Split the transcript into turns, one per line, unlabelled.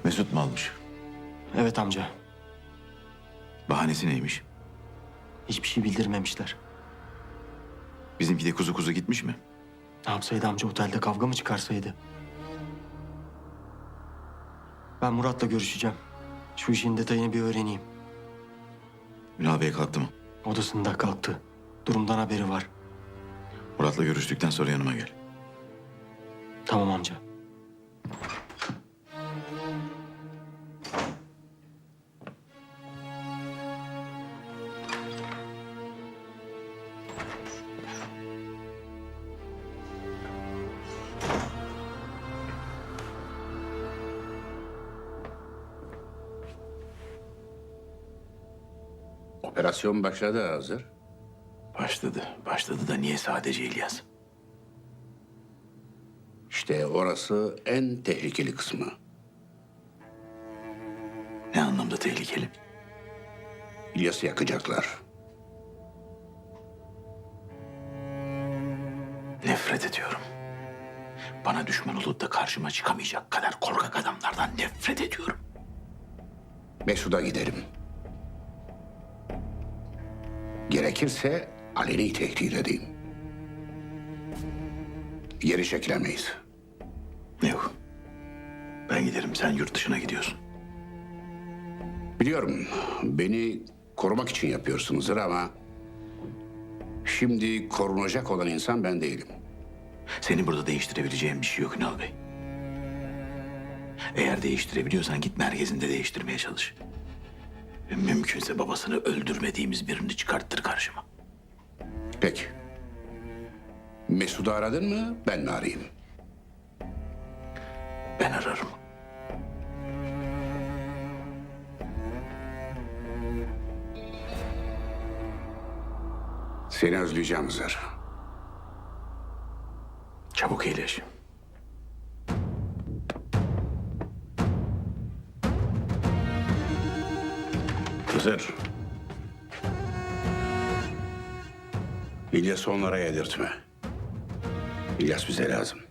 Mesut mu almış?
Evet amca.
Bahanesi neymiş?
Hiçbir şey bildirmemişler.
Bizimki de kuzu kuzu gitmiş mi?
Ne yapsaydı amca, otelde kavga mı çıkarsaydı? Ben Murat'la görüşeceğim. Şu işin detayını bir öğreneyim.
Ünal Bey kalktı mı?
Odasında kalktı. Durumdan haberi var.
Murat'la görüştükten sonra yanıma gel.
Tamam amca.
Operasyon başladı hazır.
Başladı da niye sadece İlyas?
İşte orası en tehlikeli kısmı.
Ne anlamda tehlikeli?
İlyas'ı yakacaklar.
Nefret ediyorum. Bana düşman olup da karşıma çıkamayacak kadar korkak adamlardan nefret ediyorum.
Mesud'a gidelim. Gerekirse aleni tehdit edeyim. Geri çekilemeyiz.
Yok. Ben giderim, sen yurt dışına gidiyorsun.
Biliyorum beni korumak için yapıyorsunuzdur ama... ...şimdi korunacak olan insan ben değilim.
Seni burada değiştirebileceğim bir şey yok Ünal Bey. Eğer değiştirebiliyorsan git merkezinde değiştirmeye çalış. Ve mümkünse babasını öldürmediğimiz birini çıkarttır karşıma.
Peki. Mesud'u aradın mı, ben mi arayayım?
Ben ararım.
Seni özleyeceğim Hızır.
Çabuk iyileş.
Hızır. İlyas'ı onlara yedirtme. İlyas bize lazım.